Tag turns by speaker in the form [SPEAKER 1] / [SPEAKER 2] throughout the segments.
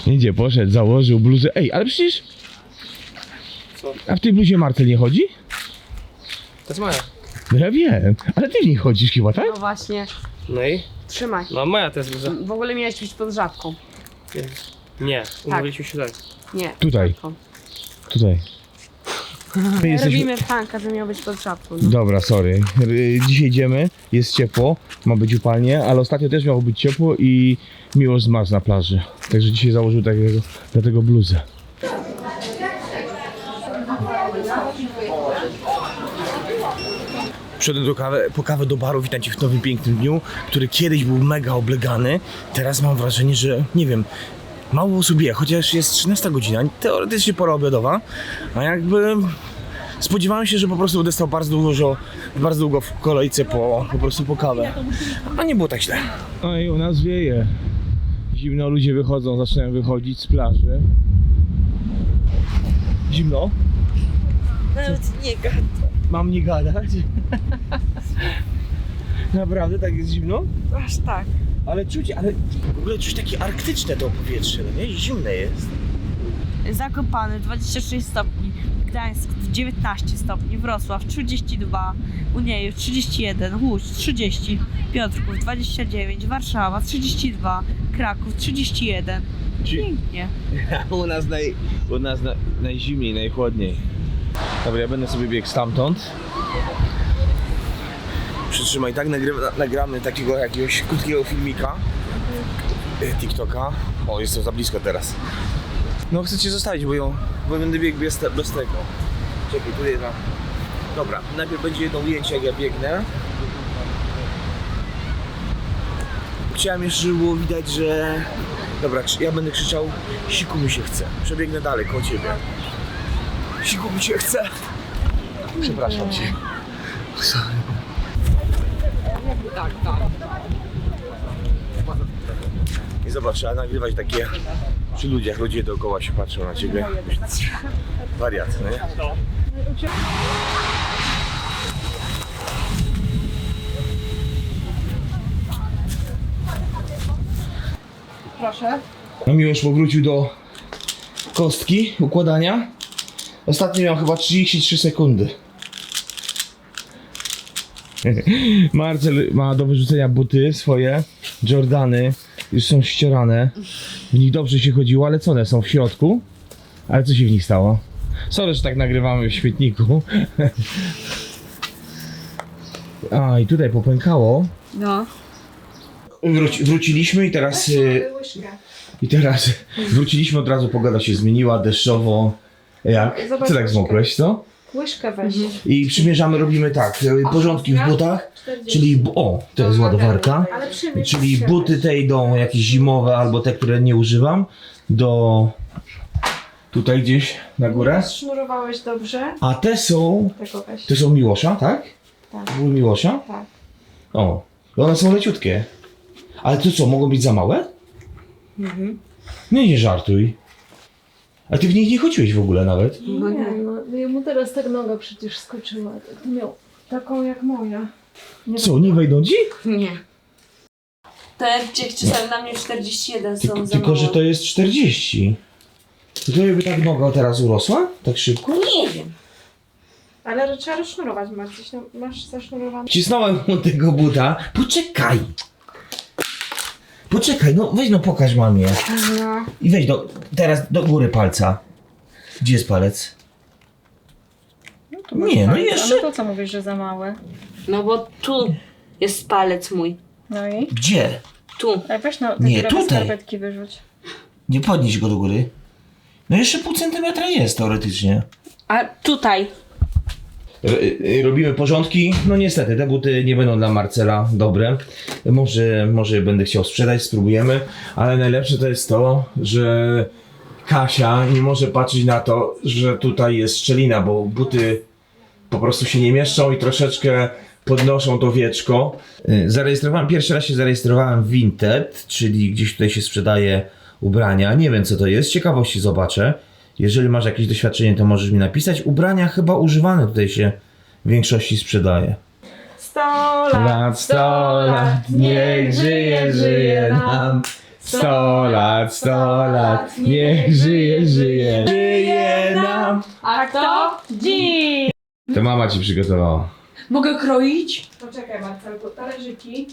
[SPEAKER 1] Idzie, poszedł, założył bluzę. Ej, ale przecież...
[SPEAKER 2] Co?
[SPEAKER 1] A w tej bluzie Marcel nie chodzi?
[SPEAKER 2] To jest moja.
[SPEAKER 1] No ja wiem, ale ty nie chodzisz chyba, tak?
[SPEAKER 3] No właśnie,
[SPEAKER 2] No i?
[SPEAKER 3] trzymaj.
[SPEAKER 2] No moja to jest bluza.
[SPEAKER 3] W ogóle miałeś być pod żabką.
[SPEAKER 2] Nie, umówiliśmy się tutaj.
[SPEAKER 3] Nie.
[SPEAKER 1] Tutaj.
[SPEAKER 3] żabką.
[SPEAKER 1] Tutaj. My jesteśmy...
[SPEAKER 3] Robimy plankę, że miał być pod żabką. No.
[SPEAKER 1] Dobra, sorry. Dzisiaj idziemy, jest ciepło, ma być upalnie, ale ostatnio też miało być ciepło i Miłosz zmarzł na plaży. Także dzisiaj założył dlatego bluzę. Przyszedłem po kawę do baru, witam Cię w nowym pięknym dniu, który kiedyś był mega oblegany. Teraz mam wrażenie, że nie wiem, mało osób je, chociaż jest 13 godzina, teoretycznie pora obiadowa, a jakby spodziewałem się, że po prostu będę stał bardzo długo w kolejce po prostu po kawę, a nie było tak źle. No i u nas wieje. Zimno, ludzie wychodzą, zaczynają wychodzić z plaży. Zimno?
[SPEAKER 4] Nawet nie gada.
[SPEAKER 1] Mam nie gadać? Naprawdę tak jest zimno?
[SPEAKER 4] Aż tak.
[SPEAKER 1] Ale w ogóle czuć takie arktyczne to powietrze, no nie? Zimne jest.
[SPEAKER 4] Zakopany 26 stopni, Gdańsk 19 stopni, Wrocław 32, Uniejów 31, Łódź 30, Piotrków 29, Warszawa 32, Kraków 31. Pięknie.
[SPEAKER 1] U nas najzimniej, najchłodniej. Dobra, ja będę sobie biegł stamtąd. Przytrzymaj, tak nagramy takiego jakiegoś krótkiego filmika TikToka. O, jestem za blisko teraz. No chcę Cię zostawić, bo będę biegł bez tego. Czekaj, tu jedna. Dobra, najpierw będzie jedno ujęcie, jak ja biegnę. Chciałem jeszcze, żeby było widać, że... Dobra, ja będę krzyczał, siku mi się chce. Przebiegnę dalej koło Ciebie. Siku mi się chce. Przepraszam Cię. Sorry. I zobacz, trzeba nagrywać takie przy ludziach, ludzie dookoła się patrzą na Ciebie. Wariat, no nie?
[SPEAKER 3] Proszę.
[SPEAKER 1] No Miłosz powrócił do kostki układania. Ostatnio miał chyba 33 sekundy. Marcel ma do wyrzucenia buty swoje, Jordany, już są ścierane. W nich dobrze się chodziło, ale co one są w środku? Ale co się w nich stało? Sorry, że tak nagrywamy w świetniku. A, i tutaj popękało.
[SPEAKER 3] No.
[SPEAKER 1] Wróciliśmy i teraz wróciliśmy od razu, pogoda się zmieniła, deszczowo. Jak?
[SPEAKER 3] Zobacz
[SPEAKER 1] Co tak
[SPEAKER 3] łyżkę.
[SPEAKER 1] zmokłeś, co?
[SPEAKER 3] Łyżkę weź.
[SPEAKER 1] I przymierzamy, robimy tak, porządki w butach, czyli, to jest ładowarka,
[SPEAKER 3] Ale przymierz
[SPEAKER 1] czyli
[SPEAKER 3] się.
[SPEAKER 1] buty te idą jakieś zimowe albo te, które nie używam, do tutaj gdzieś na górę,
[SPEAKER 3] Sznurowałeś dobrze.
[SPEAKER 1] a te są Miłosza, tak?
[SPEAKER 3] Tak.
[SPEAKER 1] Były Miłosza?
[SPEAKER 3] Tak.
[SPEAKER 1] O, i one są leciutkie. Ale to co, mogą być za małe? No nie żartuj. A ty w nich nie chodziłeś w ogóle nawet?
[SPEAKER 5] No nie, no jemu teraz tak noga przecież skoczyła. Miał taką jak moja.
[SPEAKER 1] Co, nie wejdą ci?
[SPEAKER 4] Nie. Te dziewczyny są na mnie 41 są za
[SPEAKER 1] Tylko, że
[SPEAKER 4] mało.
[SPEAKER 1] to jest 40. To by tak noga teraz urosła? Tak szybko?
[SPEAKER 4] Nie wiem.
[SPEAKER 3] Ale trzeba rozsznurować, masz zasznurowane.
[SPEAKER 1] Wcisnąłem mu tego buta. Poczekaj! Poczekaj, no weź no pokaż mamie.
[SPEAKER 3] No.
[SPEAKER 1] I weź teraz do góry palca. Gdzie jest palec? Nie, no jeszcze.
[SPEAKER 5] No to co mówisz, że za małe?
[SPEAKER 4] No bo tu jest palec mój.
[SPEAKER 5] No i?
[SPEAKER 1] Gdzie?
[SPEAKER 4] Tu.
[SPEAKER 5] A weź no, te
[SPEAKER 1] Nie,
[SPEAKER 5] dziurawe
[SPEAKER 1] tutaj.
[SPEAKER 5] skarpetki wyrzuć.
[SPEAKER 1] Nie podnieś go do góry. No jeszcze pół centymetra jest teoretycznie.
[SPEAKER 4] A tutaj.
[SPEAKER 1] Robimy porządki. No niestety, te buty nie będą dla Marcela dobre. Może będę chciał sprzedać, spróbujemy. Ale najlepsze to jest to, że Kasia nie może patrzeć na to, że tutaj jest szczelina, bo buty po prostu się nie mieszczą i troszeczkę podnoszą to wieczko. Pierwszy raz się zarejestrowałem w Vinted, czyli gdzieś tutaj się sprzedaje ubrania. Nie wiem co to jest, z ciekawości zobaczę. Jeżeli masz jakieś doświadczenie, to możesz mi napisać. Ubrania chyba używane tutaj się w większości sprzedaje.
[SPEAKER 3] 100 lat,
[SPEAKER 1] 100 lat, niech żyje, żyje nam. 100 lat, 100 lat, niech żyje, żyje, żyje nam.
[SPEAKER 4] A kto? Dziś!
[SPEAKER 1] To mama ci przygotowała.
[SPEAKER 4] Mogę kroić?
[SPEAKER 3] Poczekaj Marcelku, talerzyki.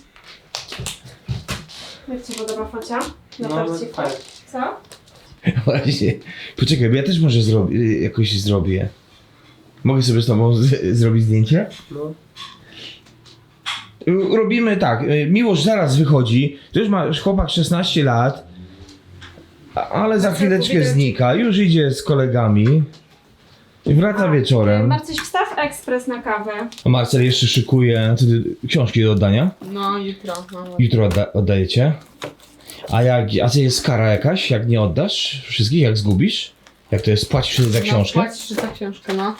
[SPEAKER 3] Jak ci podoba focia? Na
[SPEAKER 2] No,
[SPEAKER 3] torciku?
[SPEAKER 2] fajnie.
[SPEAKER 3] Co?
[SPEAKER 1] Właśnie. Poczekaj, bo ja też może jakoś zrobię. Mogę sobie z tobą zrobić zdjęcie?
[SPEAKER 2] No.
[SPEAKER 1] Robimy tak, Miłosz zaraz wychodzi, to już ma chłopak 16 lat, ale za chwileczkę znika, już idzie z kolegami i wraca wieczorem.
[SPEAKER 3] Marcyś, wstaw ekspres na kawę.
[SPEAKER 1] A Marcel jeszcze szykuje książki do oddania.
[SPEAKER 4] No, jutro.
[SPEAKER 1] Jutro oddajecie. A co jest kara jakaś, jak nie oddasz wszystkich, jak zgubisz? Jak to jest, płacisz wtedy za książkę?
[SPEAKER 4] Płacisz za książkę, no.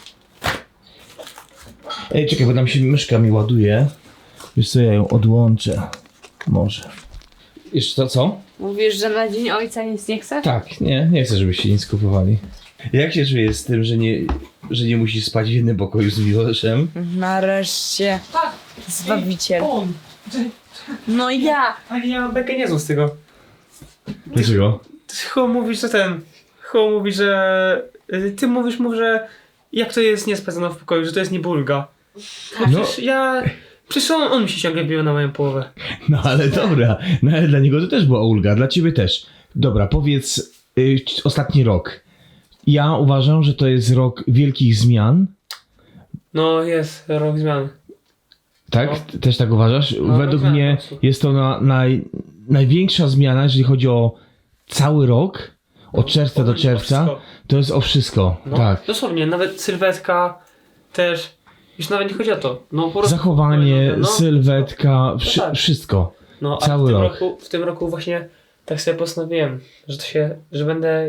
[SPEAKER 1] Ej, czekaj, bo tam się myszka mi ładuje. Wiesz co, ja ją odłączę. Może. Jeszcze to co?
[SPEAKER 4] Mówisz, że na Dzień Ojca nic nie chcesz?
[SPEAKER 1] Tak, nie chcę, żebyście nic kupowali. Jak się czujesz z tym, że nie musisz spać w jednym pokoju z Miłoszem?
[SPEAKER 4] Nareszcie. Zbawiciel.
[SPEAKER 2] On!
[SPEAKER 4] No ja.
[SPEAKER 2] Ale ja mam bekę niezłą z tego.
[SPEAKER 1] Dlaczego?
[SPEAKER 2] Chyba mówisz, że Chyba mówisz, że... Ty mówisz mu, że... Jak to jest nie spać ze mną w pokoju, że to jest nie bulga.
[SPEAKER 1] No.
[SPEAKER 2] Przecież on mi się ciągle bił na moją połowę.
[SPEAKER 1] No ale dobra, no ale dla niego to też była ulga, dla ciebie też. Dobra, powiedz ostatni rok. Ja uważam, że to jest rok wielkich zmian.
[SPEAKER 2] No jest, rok zmian.
[SPEAKER 1] Tak?
[SPEAKER 2] No.
[SPEAKER 1] Też tak uważasz?
[SPEAKER 2] No,
[SPEAKER 1] Według
[SPEAKER 2] rok
[SPEAKER 1] mnie
[SPEAKER 2] zmian,
[SPEAKER 1] jest to największa zmiana, jeżeli chodzi o cały rok, od czerwca do czerwca.
[SPEAKER 2] Wszystko.
[SPEAKER 1] To jest o wszystko,
[SPEAKER 2] No,
[SPEAKER 1] tak.
[SPEAKER 2] dosłownie, nawet sylwetka też. Już nawet nie chodzi o to. No, po prostu,
[SPEAKER 1] Zachowanie,
[SPEAKER 2] no,
[SPEAKER 1] sylwetka,
[SPEAKER 2] tak.
[SPEAKER 1] wszystko.
[SPEAKER 2] No, a
[SPEAKER 1] cały rok.
[SPEAKER 2] w tym roku właśnie tak sobie postanowiłem, że będę...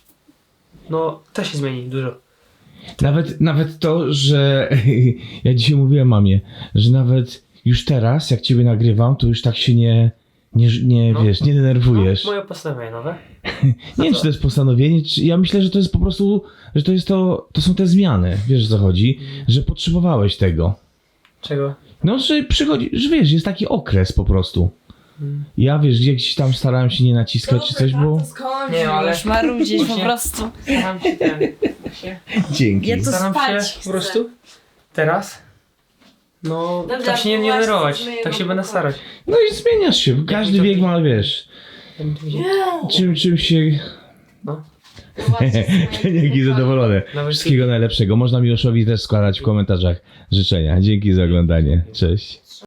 [SPEAKER 2] No, to się zmieni dużo.
[SPEAKER 1] Nawet to, że ja dzisiaj mówiłem mamie, że nawet już teraz, jak ciebie nagrywam, to już tak się nie
[SPEAKER 2] No.
[SPEAKER 1] wiesz, nie denerwujesz.
[SPEAKER 2] No, moje postanowienie nowe.
[SPEAKER 1] Nie wiem, czy to jest postanowienie, czy ja myślę, że to jest po prostu, że to są te zmiany, wiesz o co chodzi, że potrzebowałeś tego.
[SPEAKER 2] Czego?
[SPEAKER 1] No, że przychodzi, że wiesz, jest taki okres po prostu. Ja wiesz, gdzieś tam starałem się nie naciskać czy coś, bo...
[SPEAKER 4] Skąd?
[SPEAKER 2] Nie, ale-
[SPEAKER 4] Już marudzić po
[SPEAKER 2] Właśnie-
[SPEAKER 4] prostu.
[SPEAKER 2] Staram się
[SPEAKER 1] Dzięki.
[SPEAKER 4] Ja to
[SPEAKER 2] Staram
[SPEAKER 4] spać
[SPEAKER 2] się
[SPEAKER 4] chcę.
[SPEAKER 2] po prostu teraz. No,
[SPEAKER 4] Dobra,
[SPEAKER 2] tak się nie
[SPEAKER 4] właśnie
[SPEAKER 2] denerwować.
[SPEAKER 4] zmyję
[SPEAKER 2] Tak się
[SPEAKER 4] wam
[SPEAKER 2] będę
[SPEAKER 4] pokoju.
[SPEAKER 2] starać.
[SPEAKER 1] No i zmieniasz się, każdy wiek ma, wiesz, czym się...
[SPEAKER 2] No.
[SPEAKER 1] Dzięki, zadowolony.
[SPEAKER 2] Nawet
[SPEAKER 1] Wszystkiego najlepszego. Można Miłoszowi też składać w komentarzach życzenia. Dzięki za oglądanie. Cześć.